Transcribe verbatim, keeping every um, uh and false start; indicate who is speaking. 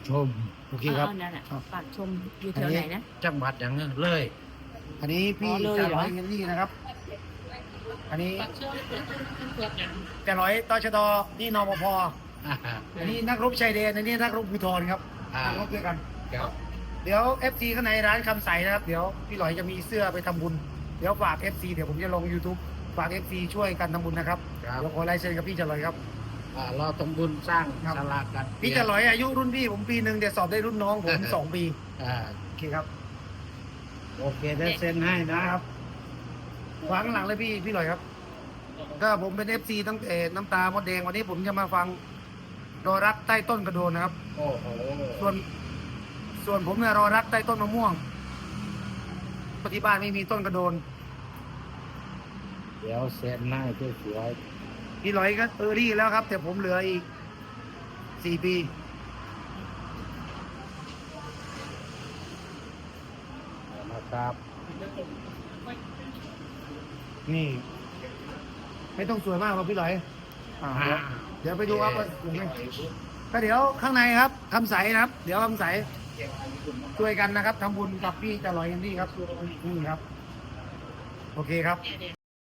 Speaker 1: ชม
Speaker 2: โอเคครับ
Speaker 3: านั่นแหละ
Speaker 2: ครับ
Speaker 3: ปากชมอยู่แถวไหนนะ
Speaker 1: จังหวัดอย่างนั้นเลย
Speaker 2: อันนี้พี่
Speaker 3: อ๋อเลย
Speaker 2: จะ
Speaker 3: เหรอ
Speaker 2: ร้อยเฮนรี่นะครับ อันนี้จะร้อยตชดนี่นปภ
Speaker 1: อ่า
Speaker 2: อันนี้นักรบชายแดนอันนี้นักรบภูธรครับ
Speaker 1: อ่า
Speaker 2: นักรบด้วยกัน
Speaker 1: ครับ
Speaker 2: เดี๋ยว เอฟ ซี ข้างในร้านคำใสนะครับ เดี๋ยวพี่หลอยจะมีเสื้อไปทำบุญ เดี๋ยวฝาก เอฟ ซี เดี๋ยวผมจะลง YouTube ฝาก เอฟ ซี ช่วยกันทำบุญนะครับ
Speaker 1: ครับ
Speaker 2: เดี๋ยวขอลายเซ็นกับพี่จะลอยครับ
Speaker 1: อ่าเราต้องบุญสร้าง
Speaker 2: ครับ
Speaker 1: ศาลากัน
Speaker 2: พี่จะลอยอายุรุ่นพี่ผมปีหนึ่งเดี๋ยวสอบได้รุ่นน้องผม สองปี
Speaker 1: อ่า
Speaker 2: โอเคครับ
Speaker 1: โอเคได้เซ็นให้นะครับ
Speaker 2: วางข้างหลังเลยพี่พี่หลอยครับ ก็ผมเป็น เอฟ ซี ตั้งแต่น้ำตามดแดงวันนี้ผมจะมาฟังรอรักใต้ต้นกระโดนนะครับ
Speaker 1: โอ้โห
Speaker 2: ส่วนส่วนผมเนี่ยรอรักใต้ต้นมะม่วงปฏิบ้านไม่มีต้นกระโดน
Speaker 1: เดี๋ยวเซ็นให้สวย
Speaker 2: พี่หลอยก็เออรี่แล้วครับ แต่ผมเหลืออีกสี่ปี
Speaker 1: ๆนะครับ
Speaker 2: นี่ ไม่ต้องสวยมากหรอกพี่หลอยอ่าเดี๋ยวเดี๋ยวไปดูครับว่าสวยไหมก็เดี๋ยวข้างในครับคำใสนะครับ เดี๋ยวคำใสช่วยกันนะครับทำบุญกับพี่จะลอยกันที่ครับนี่ครับ โอเคครับ